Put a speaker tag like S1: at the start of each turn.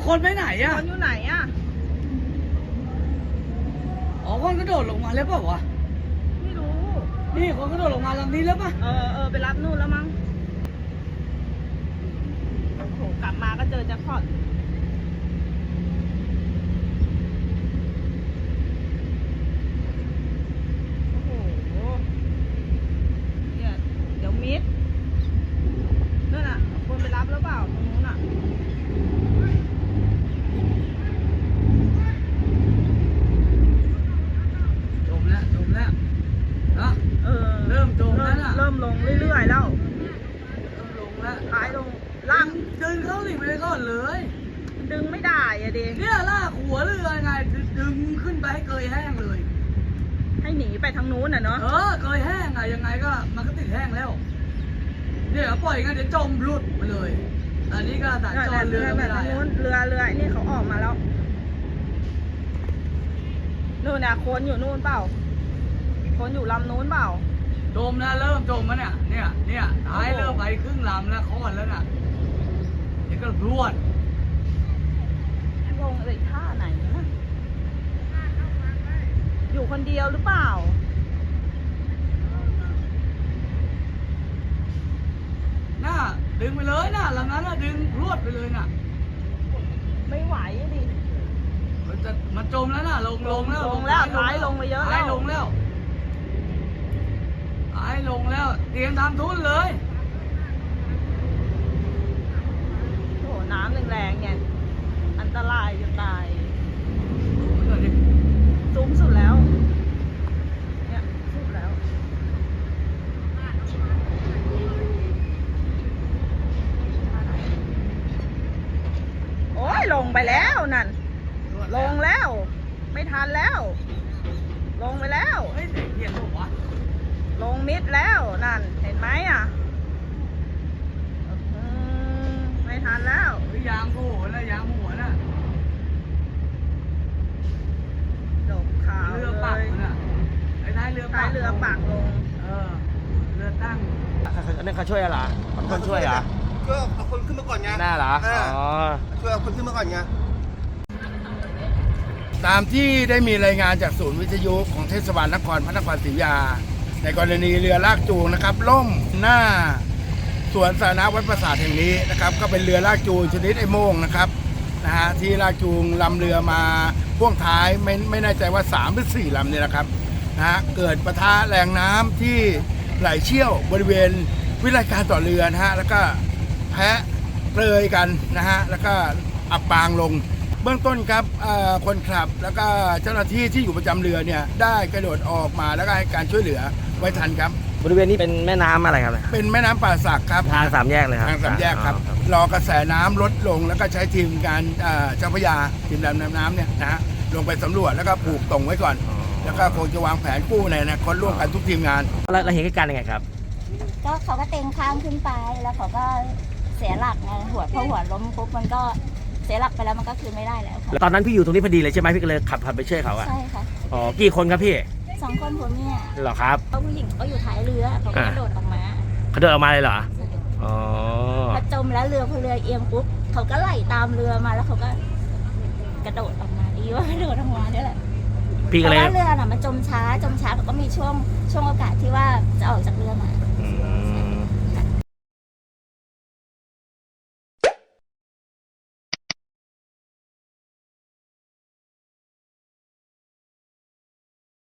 S1: คนไปไหนอะ
S2: คนอยู่ไหนอะ
S1: อ๋อคนกระโดดลงมาแล้วเปล่าวะ
S2: ไม่รู้
S1: นี่คนกระโดดลงมาลำนี้แล้วปะ
S2: ไปรับนู่นแล้วมั้งโอ้โหกลับมาก็เจอแจ็คพอตโอ้โหเนี่ยเดี๋ยวมิดนั่นน่ะคนไปรับแล้วเปล่าตรงนู้นอ่ะ
S1: จมแล้วนะเริ่มจมแล้วน่ะ
S2: เริ่มลงเรื่อยๆแล้ว
S1: ลงแล้ว
S2: ท้ายลงล่าง
S1: ดึงเข้าหลีไปก่อนเลย
S2: ดึงไม่ได้อะดิ
S1: เนี่ยลากหัวเรือไงดึงขึ้นไปให้เกยแห้งเลย
S2: ให้หนีไปทางนู้นน่ะเนาะ
S1: เกยแห้งอะยังไงก็มันก็ติดแห้งแล้วเนี่ยปล่อยงั้นเดี๋ยวจมหลุดไปเลยอันนี้ก็ตัดจอเรือไม่ได้
S2: เรือนี่เขาออกมาแล้วนู่นน่ะคนอยู่นู่นเปล่าคนอยู่ลำนู้นเปล่า
S1: จมแล้วเริ่มจมแล้วเนี่ยท้ายเริ่มไปครึ่งลำแล้วคอนแล้วน่ะเดี๋ยวก็รวด
S2: ลงอะไรท่าไหนนะอยู่คนเดียวหรือเปล่า
S1: น่าดึงไปเลยน่ะลำนั้นน่ะดึงรวดไปเลยน่ะ
S2: ไม่ไหวดิ
S1: มันจมแล้วน่ะลงแล้ว
S2: ท้ายลงไปเยอะแล้ว
S1: ท้ายลงแล้วเตรียมทำทุนเลย
S2: โอ้น้ำแรงๆเนี่ยอันตรายจะตายสูงสุดแล้วเนี่ยสุดแล้วโอ้ยลงไปแล้วนั่นลงแล้วไม่ทันแล้วลงไปแล้ว
S1: เฮ้ยเห็นหรอวะ
S2: ลงมิดแล้วนั่นเห็นไหมอ่ะไม่ทันแล้ว
S1: ยางหัวน่ะ
S2: ดกขาว
S1: เรือปักน่ะไอ้ท้ายเรือปัก
S2: ลง
S1: เรือตั้ง
S3: อันนี้เขาช่วยอะไรคนช่วยเหรอ
S4: ช่วยเอาคนขึ้นมาก่อนไง
S3: น่าเหรออ๋อ
S4: ช่วยเอาคนขึ้นมาก่อนไง
S3: ตามที่ได้มีรายงานจากศูนย์วิทยุของเทศบาลนครพระนครศรีอยุธยาในกรณีเรือลากจูงนะครับล่มหน้าสวนสาธารณะวัดปราสาทแห่งนี้นะครับก็เป็นเรือลากจูงชนิดไอ้โม่งนะครับที่ลากจูงลำเรือมาพ่วงท้ายไม่แน่ใจว่า3หรือ4ลำเนี่ยนะครับเกิดปะทะแรงน้ำที่ไหลเชี่ยวบริเวณวิทยการต่อเรือแล้วก็แพะเปลยกันแล้วก็อับปางลงเบื้องต้นครับคนขับแล้วก็เจ้าหน้าที่ที่อยู่ประจำเรือเนี่ยได้กระโดดออกมาแล้วก็ให้การช่วยเหลือไว้ทันครับ
S5: บริเวณนี้เป็นแม่น้ำอะไรครับ
S3: เป็นแม่น้ำป่าสักครับ
S5: ทางสามแยกเลยครับ
S3: ทางสามแยกครับรอกระแสน้ำลดลงแล้วก็ใช้ทีมการเจ้าพระยาทีมดำน้ำเนี่ยลงไปสำรวจแล้วก็ผูกตรงไว้ก่อนแล้วก็คงจะวางแผนกู้ในอนาคตร่วมกันทุกทีมงาน
S5: เราเห็นเหตุการณ์ยังไงครับ
S6: ก็เขาก็เต็งข้างขึ้นไปแล้วเขาก็เสียหลักไงพอหัวล้มปุ๊บมันก็เสียหลักไปแล้วมันก็คืนไม่ได้แล้วค่ะ
S5: ตอนนั้นพี่อยู่ตรงนี้พอดีเลยใช่ไหมพี่ก็เลยขับไปช่วยเขา
S6: ใช่ค่ะ
S5: อ๋อกี่คนครับพี่
S6: 2 คนผัวเมีย
S5: เหรอครับ
S6: ผู้หญิงเขาอยู่ท้ายเรือเขาก็กระโดดออกมา
S5: เลยเหรออ๋อ
S6: พอจมแล้วพอเรือเอียงปุ๊บเขาก็ไหลตามเรือมาแล้วเขาก็กระโดดออกมาดีว่ากระโดดออกมาได้แหละ
S5: พี่ก็เลย
S6: เรือน่ะมันจมช้าเขาก็มีช่วงโอกาสที่ว่าจะออกจากเรือมา